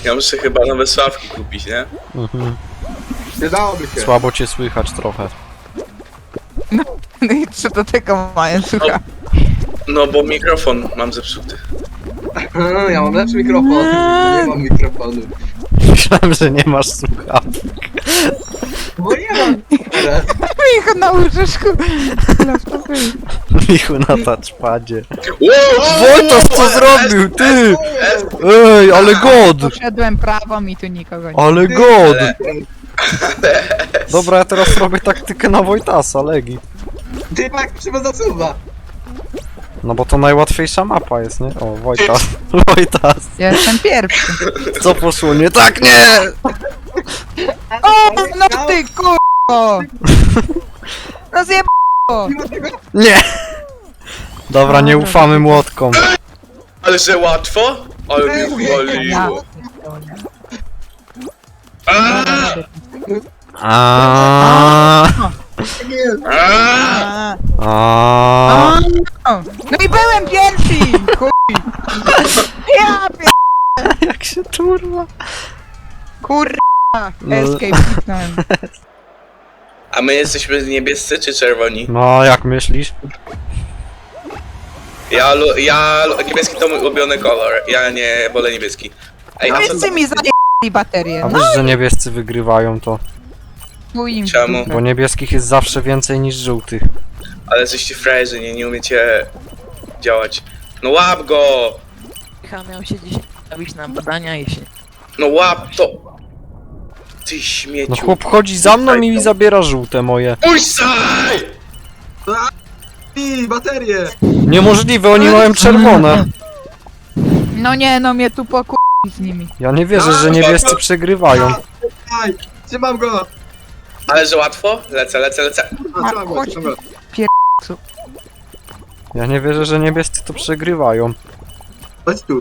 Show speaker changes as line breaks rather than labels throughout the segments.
Ja muszę chyba nowe sławki kupić, nie?
Mhm.
Przydałoby się.
Słabo cię słychać trochę.
No i co do tego mają, słuchaj.
No bo mikrofon mam zepsuty.
Ja mam lepszy mikrofon. Nie mam mikrofonu.
Myślałem, że nie masz słuchawek.
Bo nie mam.
Micho na łóżeczku. Laptopy.
Michu na touchpadzie.
Wow!
Wojtas, co zrobił, ty? Ej, ale god!
Poszedłem prawą i tu nikogo nie.
Ale god! Dobra, ja teraz robię taktykę na Wojtasa, Legi.
Ty tak trzeba zasuwa.
No bo to najłatwiejsza mapa jest, nie? O, Wojtas. Wojtas.
Ja jestem pierwszy.
Co poszło nie tak? Nie!
O, no ty kurwo! No zjeb***o!
Nie! Dobra, nie ufamy młotkom.
Ale że łatwo? Ale mnie
Ja.
waliło.
Aaaa.
Aaaa!
Aaaa.
No i byłem pierwszy! Chuj! Ja pier...
Jak się turla.
Kurwa!
No.
Escape kliknąłem.
A my jesteśmy niebiescy czy czerwoni?
No, jak myślisz?
Niebieski to mój ulubiony kolor. Ja nie wolę niebieski. Ej, a co
Wszyscy mi zajęli baterię.
A
No
wiesz, że niebiescy wygrywają to.
chuj im w
Czemu?
dupę.
Bo niebieskich jest zawsze więcej niż żółtych.
Ale jesteście frajerzy, nie umiecie działać. No łap go!
Michał miał się dzisiaj stawić na badania i się...
No łap to! Ty śmieciu.
No chłop chodzi za mną i mi zabiera żółte moje.
Ujsaj!
I baterie.
Niemożliwe, oni mają czerwone.
No nie, no mnie tu pokur... z nimi.
Ja nie wierzę, że niebiescy przegrywają.
Aj, trzymam go.
Ale że łatwo? Lecę.
A, trzymam go,
chodź.
trzymam go.
Ja nie wierzę, że niebiescy to przegrywają.
Chodź tu.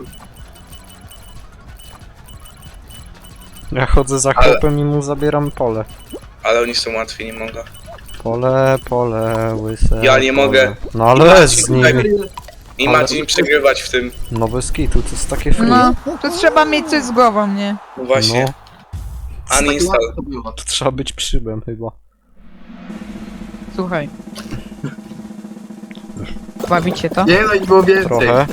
Ja chodzę za chłopem i mu zabieram pole.
Ale oni są łatwi, nie mogę.
Pole, łyse.
Ja nie
pole.
mogę.
No ale lec z nimi.
Nie
Ale-
macie im przegrywać w tym.
No bez kitu, to jest takie free.
No, to trzeba mieć coś z głową, nie?
No właśnie.
No,
Uninstall.
To było.
to trzeba być przybem chyba.
Słuchaj. Bawicie to?
Nie no, ich było więcej.
Trochę.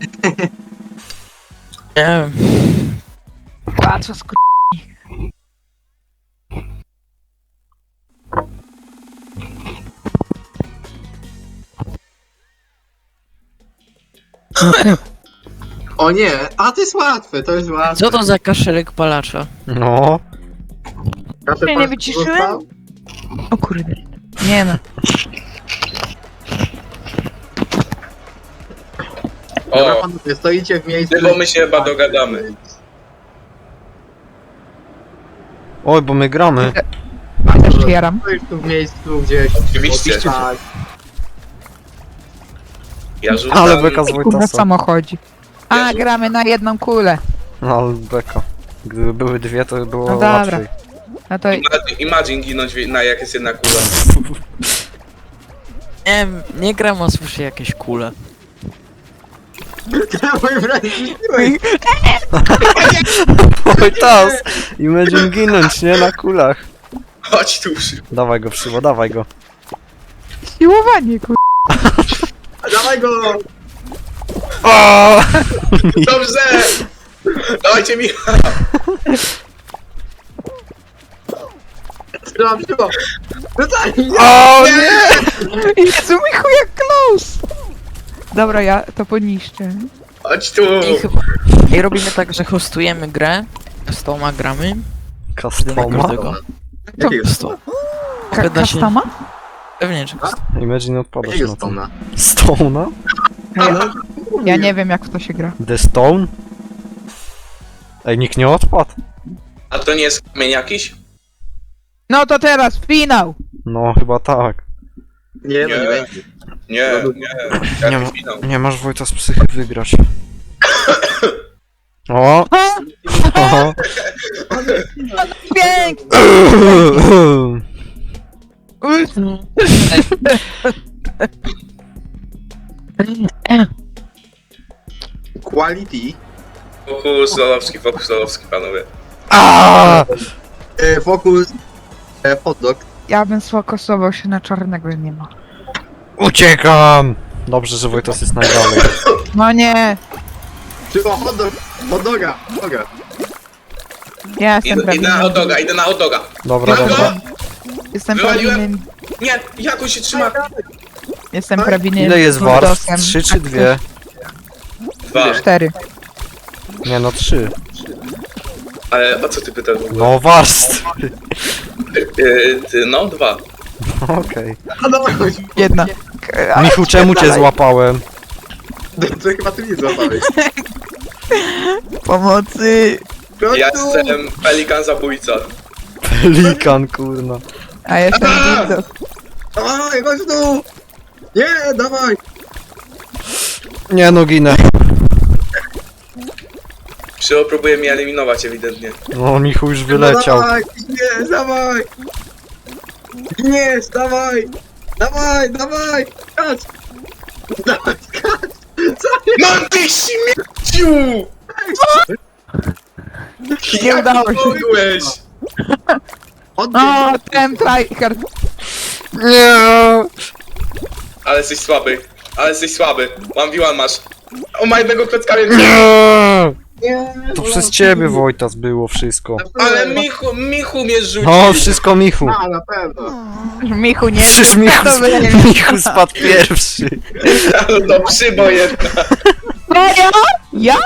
Nie wiem.
A co skur...
O nie, a to jest łatwe, to jest łatwe.
Co to za kaszelek palacza?
No.
Proszę
nie
pan,
wyciszyłem?
został?
O kurde. Nie no.
Dobra,
O,
panowie, stoicie w miejscu.
tylko my się chyba dogadamy.
Oj, bo my gramy.
Ja też jaram.
Stoisz tu w miejscu gdzieś.
Oczywiście.
Tak.
Ja rzucam.
Ale beka z
Kurwa
Wojtasa.
samochodzi. A,
Jezu.
gramy na jedną kulę.
No ale beka. Gdyby były dwie, to by było
No dobra.
łatwiej.
No to
Imagine ginąć na jak jest jedna kula.
Nie wiem, nie gram, a słyszę jakieś kule.
Mój brat zniszczyłeś.
Wojtas! Imagine ginąć, nie? Na kulach.
Chodź tu.
Dawaj go, Przybo, dawaj go.
siłowanie, kur...
Dawaj go!
O!
Dobrze! Dawajcie mi.
Trzymam, trzymam. Rzucaj!
O nie!
Jezu, Michu, jak close! Dobra, ja to poniszczę.
Chodź tu.
I chyba... I robimy tak, że hostujemy grę. Z toma gramy. Jeden na
Customa?
każdego.
Jakiego
Sto. Wyda się-
Customa?
Pewnie, że custom.
Imagine odpadasz
Jakiego
na to.
stona?
Stone'a?
Ja nie wiem, jak w to się gra.
The Stone? Ej, nikt nie odpadł?
A to nie jest kamień jakiś?
No to teraz, finał!
No, chyba tak.
Nie, no
Nie.
nie będzie.
Nie.
Nie
Jaki
ma-
finał?
Nie masz Wojta z psychy wygrać. O! O!
Pięknie!
Quality.
Fokus lolowski, panowie.
Aaaa!
Fokus. Hot dog.
Ja bym sfokusował się na czarnego, nie ma.
Uciekam! Dobrze, że Wojtas jest najdalej.
No nie!
Tylko hot dog. Hot doga.
Ja jestem
Idę na hot doga, idę na hot doga.
Dobra,
Mam go?
dobra.
Jestem
Wywaliłem.
prawilnym...
Nie, jak on się trzyma?
Jestem prawilnym...
Ile jest warstw?
buldosem.
3 czy
Tak,
2?
2.
4.
Nie no, 3.
Ale o co ty pytasz w ogóle?
No warstw.
No, 2.
Okej.
A dobra, chodź.
Jedna.
Michu, czemu cię złapałem?
To chyba ty mnie złapałeś.
Pomocy!
Chodź
Ja
tu.
jestem pelikan zabójca.
Pelikan, kurna.
A jestem dildo.
Dawaj, chodź tu. Nie, dawaj.
Nie no, ginę.
Przyło próbuje mnie eliminować ewidentnie.
No, Michu już
No
wyleciał.
dawaj, nie, dawaj. Nie, dawaj. Dawaj. Skacz. Dawaj, skacz. Co jest?
No ty śmieciu!
Nie udało się.
Mogłeś?
O, ten tryhard.
Nie!
Ale jesteś słaby. 1v1 masz. O mojego klockami.
Nie!
Nie,
To przez ciebie, Wojtas, było wszystko.
Ale Michu mnie rzucił.
No, wszystko Michu.
A, na pewno.
Michu nie...
Przecież
to
Michu spadł pierwszy.
No przybo jedna.
Ja? Ja?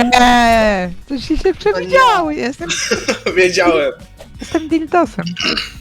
Nie, to się przewidziało, jestem
Wiedziałem.
dildosem.